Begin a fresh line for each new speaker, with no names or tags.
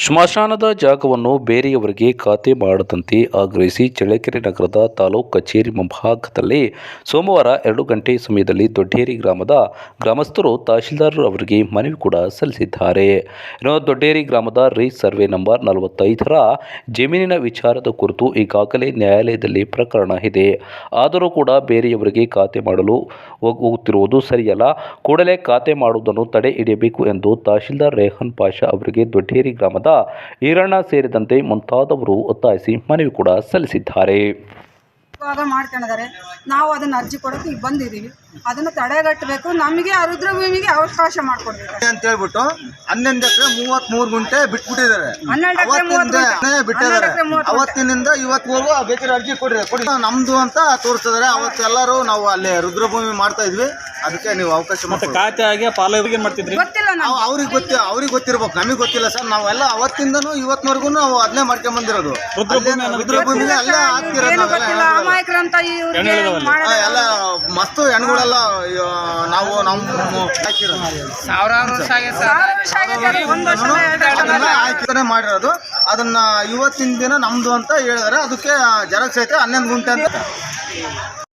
ಸ್ಮಶಾನದ ಜಾಗವನ್ನು ಬೇರೆಯವರಿಗೆ ಖಾತೆ ಮಾಡದಂತೆ ಆಗ್ರಹಿಸಿ ಚಳ್ಳಕೆರೆ ನಗರದ ತಾಲೂಕು ಕಚೇರಿ ಮುಂಭಾಗದಲ್ಲಿ ಸೋಮವಾರ 2 ಗಂಟೆ ಸಮಯದಲ್ಲಿ ದೊಡ್ಡೇರಿ ಗ್ರಾಮದ ಗ್ರಾಮಸ್ಥರು ತಹಶೀಲ್ದಾರ್ ಅವರಿಗೆ ಮನವಿ ಕೂಡ ಸಲ್ಲಿಸಿದ್ದಾರೆ. ದೊಡ್ಡೇರಿ ಗ್ರಾಮದ ಸರ್ವೆ ನಂಬರ್ 45ರ ಜಮೀನಿನ ವಿಚಾರದ ಕುರಿತು ಈಗಾಗಲೇ ನ್ಯಾಯಾಲಯದಲ್ಲಿ ಪ್ರಕರಣ ಇದೆ. ಆದರೂ ಕೂಡ ಬೇರೆಯವರಿಗೆ ಖಾತೆ ಮಾಡಲು ಹೋಗುತ್ತಿರುವುದು ಸರಿಯಲ್ಲ. ಕೂಡಲೇ ಖಾತೆ ಮಾಡುವುದನ್ನು ತಡೆ ಹಿಡಿಯಬೇಕು ಎಂದು ತಹಶೀಲ್ದಾರ್ ರೆಹಾನ್ ಪಾಷಾ ಅವರಿಗೆ ದೊಡ್ಡೇರಿ ಗ್ರಾಮದ ಈರಣ್ಣ ಸೇರಿದಂತೆ ಮುಂತಾದವರು ಒತ್ತಾಯಿಸಿ ಮನವಿ ಕೂಡ ಸಲ್ಲಿಸಿದ್ದಾರೆ.
ಮಾಡ್ಕೊಂಡಿದ್ದಾರೆ. ನಾವು ಅದನ್ನ ಅರ್ಜಿ ಕೊಡೋಕೆ ಈಗ ಬಂದಿದ್ದೀವಿ. ಅದನ್ನು ತಡೆಗಟ್ಟಬೇಕು. ನಮಗೆ ರುದ್ರ ಭೂಮಿಗೆ ಅವಕಾಶ ಮಾಡಿಕೊಡ್ಬೇಕು ಅಂತ ಹೇಳ್ಬಿಟ್ಟು 11 ಎಕರೆ 33 ಗುಂಟೆ ಬಿಟ್ಬಿಟ್ಟಿದ್ದಾರೆ. 12 ಎಕರೆ ಬಿಟ್ಟಿದ್ದಾರೆ. ಅವತ್ತಿನಿಂದ ಇವತ್ತಿಗೂ ಬೇಕಾದ್ರೆ ಅರ್ಜಿ ಕೊಡಿ ನಮ್ದು ಅಂತ ತೋರಿಸಿದ್ದಾರೆ. ಅವತ್ತೆಲ್ಲರೂ ನಾವು ಅಲ್ಲಿ ರುದ್ರಭೂಮಿ ಮಾಡ್ತಾ ಇದ್ವಿ. ಅದಕ್ಕೆ ನೀವು ಅವಕಾಶ
ಖಾತೆಗೆ ಪಾಲುಗೆ ಮಾಡ್ತಿದ್ರಿ.
ಅವ್ರಿಗೆ ಗೊತ್ತಿರ್ಬೇಕು, ನಮಗೆ ಗೊತ್ತಿಲ್ಲ ಸರ್. ನಾವೆಲ್ಲ ಅವತ್ತಿಂದನೂ ಇವತ್ತಿನವರೆಗೂ ನಾವು ಅದನ್ನೇ ಮಾಡ್ಕೊಂಡ್ ಬಂದಿರೋದು. ರುದ್ರಭೂಮಿಗೆ ಅಲ್ಲೇ ಆಗ್ತಿರೋದು. ಎಲ್ಲ ಮಸ್ತು ಹೆಣ್ಗಳೆಲ್ಲ ನಾವು ಮಾಡಿರೋದು. ಅದನ್ನ ಇವತ್ತಿನ ದಿನ ನಮ್ದು ಅಂತ ಹೇಳಿದಾರೆ. ಅದಕ್ಕೆ ಜೆರಾಕ್ಸ್ ಐತೆ 11 ಗುಂಟೆ ಅಂತ.